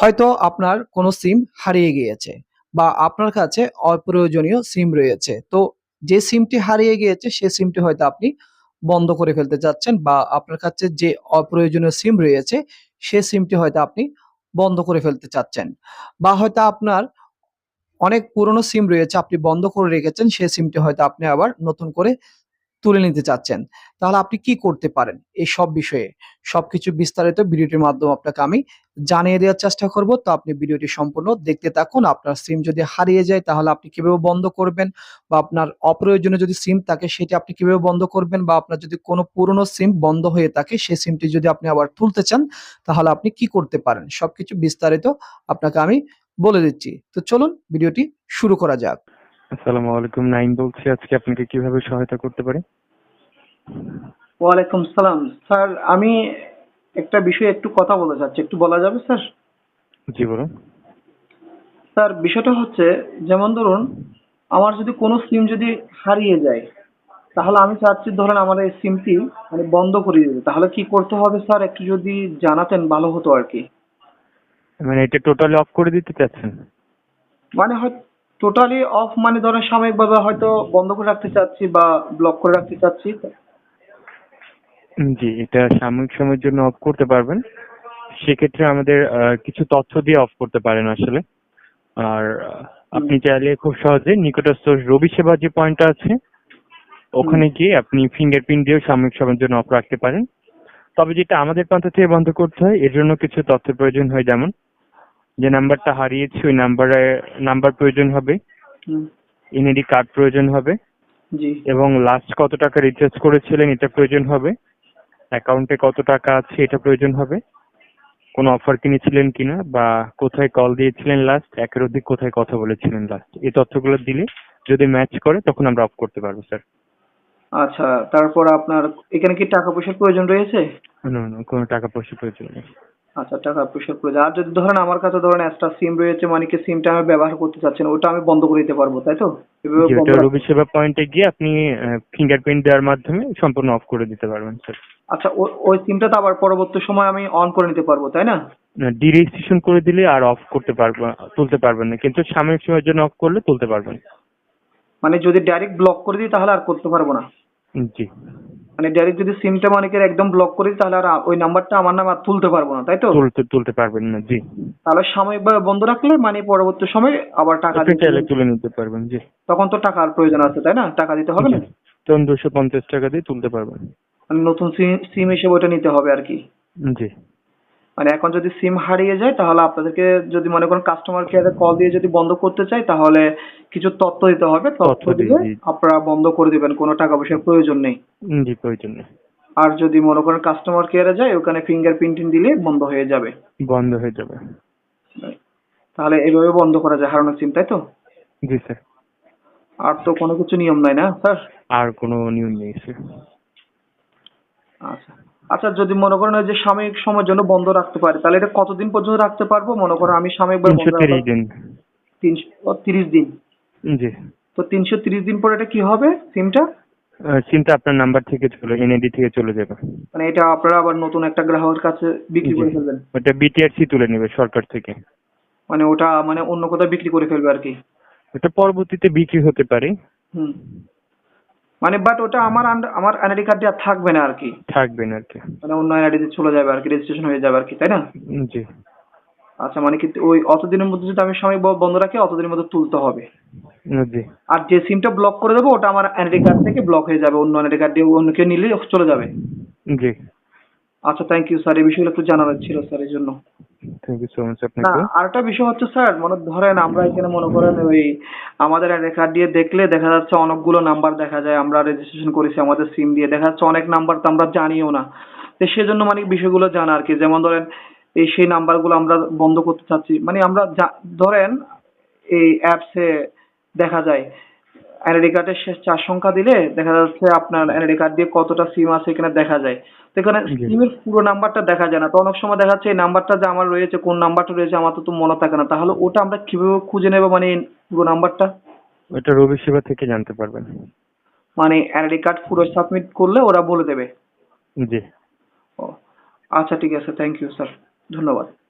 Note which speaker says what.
Speaker 1: হয়তো আপনার কোনো সিম হারিয়ে গিয়েছে বা আপনার কাছে অপ্রয়োজনীয় সিম রয়েছে। তো যে সিমটি হারিয়ে গিয়েছে সে সিমটি হয়তো আপনি বন্ধ করে ফেলতে চাচ্ছেন বা আপনার কাছে যে অপ্রয়োজনীয় সিম রয়েছে সে সিমটি হয়তো আপনি বন্ধ করে ফেলতে চাচ্ছেন। বা হয়তো আপনার অনেক পুরনো সিম রয়েছে আপনি বন্ধ করে রেখেছেন, সে সিমটি হয়তো আপনি আবার নতুন করে তুলে নিতে চাচ্ছেন। তাহলে আপনি কি করতে পারেন? এই সব বিষয়ে সবকিছু বিস্তারিত ভিডিওটির মাধ্যমে আপনাকে আমি জানিয়ে দেওয়ার চেষ্টা করব। তো আপনি ভিডিওটি সম্পূর্ণ দেখতে থাকুন। আপনার সিম যদি হারিয়ে যায় তাহলে আপনি কিভাবে বন্ধ করবেন? বা আপনার অপ্রয়োজনীয় যদি সিম থাকে সেটি আপনি কিভাবে বন্ধ করবেন? বা আপনার যদি কোনো পুরনো সিম বন্ধ হয়ে থাকে সে সিমটি যদি আপনি আবার তুলতে চান তাহলে আপনি কি করতে পারেন? সবকিছু বিস্তারিত আপনাকে আমি বলে দিচ্ছি। তো চলুন ভিডিওটি শুরু করা যাক।
Speaker 2: আসসালামু আলাইকুম, নাইম বলছি। আজকে আপনাকে কিভাবে সহায়তা করতে পারি?
Speaker 3: ওয়ালাইকুম সালাম স্যার। আমি একটা বিষয়ে একটু কথা বলতে চাচ্ছি, একটু বলা যাবে স্যার?
Speaker 2: জি বলুন।
Speaker 3: স্যার বিষয়টা হচ্ছে, যেমন ধরুন আমার যদি কোনো সিম যদি হারিয়ে যায়, তাহলে আমি চাচ্ছি ধরেন আমার এই সিমটি মানে বন্ধ করে দিতে, তাহলে কি করতে হবে স্যার একটু যদি জানাতেন ভালো হতো আর কি।
Speaker 2: মানে এটা টোটালি অফ করে দিতে চাচ্ছেন?
Speaker 3: মানে হয় টোটালি অফ, মানে ধরেন সাময়িকভাবে হয়তো বন্ধ করে রাখতে চাচ্ছি বা ব্লক করে রাখতে চাচ্ছি।
Speaker 2: জি, এটা সাময়িক সময়ের জন্য অফ করতে পারবেন। সেক্ষেত্রে আমাদের কিছু তথ্য দিয়ে অফ করতে পারেন আসলে। আর
Speaker 3: হুম,
Speaker 2: আপনি চাইলে খুব সহজে নিকটস্থ রবি সেবা যে পয়েন্টটা আছে
Speaker 3: হুম,
Speaker 2: ওখানে গিয়ে আপনি ফিঙ্গারপ্রিন্ট দিয়েও সাময়িক সময়ের জন্য অফ রাখতে পারেন। তবে যেটা আমাদের প্রান্ত থেকে বন্ধ করতে হয় এর জন্য কিছু তথ্যের প্রয়োজন হয়, যেমন যে নাম্বারটা হারিয়েছে ওই নাম্বার প্রয়োজন হবে,
Speaker 3: হুম,
Speaker 2: এনআইডি কার্ড প্রয়োজন হবে
Speaker 3: জি।
Speaker 2: এবং লাস্ট কত টাকা রিচার্জ করেছিলেন এটা প্রয়োজন হবে, অ্যাকাউন্টে কত টাকা আছে এটা প্রয়োজন হবে, কোনো অফার কিনেছিলেন কিনা বা কোথায় কল দিয়েছিলেন লাস্ট, একের অধিক কোথায় কথা বলেছিলেন লাস্ট। এই তথ্যগুলো দিলে যদি ম্যাচ করে তখন আমরা অফ করতে পারবো স্যার।
Speaker 3: আচ্ছা, তারপর আপনার এখানে কি টাকা পয়সার প্রয়োজন রয়েছে?
Speaker 2: না না, কোনো টাকা পয়সা প্রয়োজন নেই।
Speaker 3: আচ্ছা, টাকা পয়সার প্রয়োজন। আর যদি ধরেন আমার কাছে ধরেন একটা সিম রয়েছে, মানে কি সিমটা আমি ব্যবহার করতে চাচ্ছি না, ওটা আমি বন্ধ করে দিতে পারবো তাই তো? এভাবে
Speaker 2: জি,
Speaker 3: বন্ধ
Speaker 2: ওটা
Speaker 3: রাখতে।
Speaker 2: রবি সেবা পয়েন্টে গিয়ে আপনি ফিঙ্গারপ্রিন্ট দেওয়ার মাধ্যমে সম্পূর্ণ অফ করে দিতে পারবেন স্যার।
Speaker 3: আচ্ছা, ওই সিমটা তো আবার পরবর্তী সময় আমি অন করে নিতে পারবো তাই না?
Speaker 2: ডিরেজিস্ট্রেশন করে দিলে আর অফ করতে পারবো, তুলতে পারবেন না, কিন্তু সাময়িক সময়ের জন্য অফ করলে তুলতে পারবেন।
Speaker 3: মানে যদি ডাইরেক্ট ব্লক করে দিই তাহলে আর করতে পারবো না?
Speaker 2: জি,
Speaker 3: মানে ডাইরেক্ট যদি সিমটা মানে কি একদম ব্লক করে দিই তাহলে আর ওই নাম্বারটা আমার নামে আর তুলতে পারবো না তাই তো?
Speaker 2: তুলতে পারবেন না। জি,
Speaker 3: তাহলে সাময়িকভাবে বন্ধ রাখলে মানে পরবর্তী সময় আবার টাকা
Speaker 2: আপনি
Speaker 3: দিয়ে
Speaker 2: চাইলে তুলে নিতে পারবেন। জি
Speaker 3: তখন তো টাকার প্রয়োজন আছে তাই না? টাকা দিতে হবে
Speaker 2: জি,
Speaker 3: না?
Speaker 2: তখন 250 টাকা দিয়ে তুলতে পারবেন।
Speaker 3: মানে নতুন সিম সিম হিসেবে ওটা নিতে হবে আর কি।
Speaker 2: জি
Speaker 3: মানে এখন যদি সিম হারিয়ে যায় তাহলে আপনাদেরকে যদি মনে করেন কাস্টমার কেয়ারে কল দিয়ে যদি বন্ধ করতে চাই তাহলে কিছু তথ্য দিতে হবে, তথ্য
Speaker 2: তথ্য দিই।
Speaker 3: দিলে
Speaker 2: জি
Speaker 3: আপনারা বন্ধ করে দিবেন, কোনো টাকা পয়সার প্রয়োজন নেই।
Speaker 2: জি, প্রয়োজন নেই।
Speaker 3: আর যদি মনে করেন কাস্টমার কেয়ারে যায় ওখানে ফিঙ্গার প্রিন্টিং দিলে বন্ধ হয়ে যাবে।
Speaker 2: বন্ধ হয়ে যাবে।
Speaker 3: তাহলে এইভাবে বন্ধ করা যায় হারানো সিম তাই তো?
Speaker 2: জি স্যার,
Speaker 3: আর তো কোনো কিছু নিয়ম নাই না স্যার?
Speaker 2: আর কোনো নিয়ম নেই স্যার।
Speaker 3: আচ্ছা, আচ্ছা, যদি মনে করেন ওই যে সাময়িক সময়ের জন্য বন্ধ রাখতে পারি তাহলে এটা কতদিন পর্যন্ত রাখতে পারবো? মনে করেন আমি সাময়িকভাবে
Speaker 2: তিনশো
Speaker 3: বন্ধ রাখলাম
Speaker 2: তিরিশ দিন
Speaker 3: 330 দিন।
Speaker 2: জি,
Speaker 3: তো 330 দিন পরে এটা কি হবে সিমটা?
Speaker 2: সিমটা আপনার নাম্বার থেকে এনআইডি থেকে চলে যাবে।
Speaker 3: মানে এটা আপনারা আবার নতুন একটা গ্রাহকের কাছে বিক্রি
Speaker 2: জি,
Speaker 3: করে ফেলবেন?
Speaker 2: ওটা বিটিআরসি তুলে নেবে সরকার থেকে।
Speaker 3: মানে ওটা মানে অন্য কোথাও বিক্রি করে ফেলবে আর কি?
Speaker 2: ওটা পরবর্তীতে বিক্রি হতে পারে।
Speaker 3: হুম। মানে বাট ওটা আমার এনআইডি কার্ড দিয়ে আর থাকবে না আর কি?
Speaker 2: থাকবে না আর কি।
Speaker 3: মানে অন্য এনআইডি তে চলে যাবে আর কি, রেজিস্ট্রেশন হয়ে যাবে আর কি তাই না?
Speaker 2: জি
Speaker 3: আচ্ছা, মানে কি ওই অতদিনের মধ্যে যদি আমি সাময়িক বন্ধ রাখি অতদিনের মধ্যে তুলতে হবে?
Speaker 2: জি
Speaker 3: আর যে সিমটা ব্লক করে দেবো ওটা আমার এনআইডি কার্ড থেকে ব্লক হয়ে যাবে, অন্য এনআইডি কার্ড দিয়ে অন্য কেউ নিলে চলে যাবে?
Speaker 2: জি,
Speaker 3: আচ্ছা, থ্যাংক ইউ স্যার, এই বিষয়গুলো একটু জানার ছিল স্যার এই জন্য।
Speaker 2: থ্যাংক ইউ সো মাচ
Speaker 3: না,
Speaker 2: আপনাকে।
Speaker 3: আরেকটা বিষয় হচ্ছে স্যার, মানে ধরেন আমরা এখানে মনে করেন ওই আমাদের এনআইডি কার্ড দিয়ে দেখলে দেখা যাচ্ছে অনেকগুলো নাম্বার দেখা যায়, আমরা রেজিস্ট্রেশন করেছি আমাদের সিম দিয়ে, দেখা যাচ্ছে অনেক নাম্বার তো আমরা জানিও না। তো সেজন্য মানে বিষয়গুলো জানা আর কি, যেমন ধরেন এই সেই নাম্বারগুলো আমরা বন্ধ করতে চাচ্ছি, মানে আমরা ধরেন এই অ্যাপসে দেখা যায় এনআইডি কার্ডের শেষ 4 সংখ্যা দিলে দেখা যাচ্ছে আপনার এনআইডি কার্ড দিয়ে কতটা সিম আছে এখানে দেখা যায়। তো এখানে
Speaker 2: জি,
Speaker 3: সিমের পুরো নাম্বারটা দেখা যায় না, তো অনেক সময় দেখা যাচ্ছে এই নাম্বারটা যে আমার রয়েছে কোন নাম্বারটা রয়েছে আমার তো মনে থাকে না, তাহলে ওটা আমরা কিভাবে খুঁজে নেবো মানে পুরো নাম্বারটা?
Speaker 2: ওটা রবি সেবা থেকে জানতে পারবেন।
Speaker 3: মানে এনআইডি কার্ড পুরো সাবমিট করলে ওরা বলে দেবে?
Speaker 2: জি।
Speaker 3: ও, আচ্ছা ঠিক আছে, থ্যাংক ইউ স্যার, ধন্যবাদ।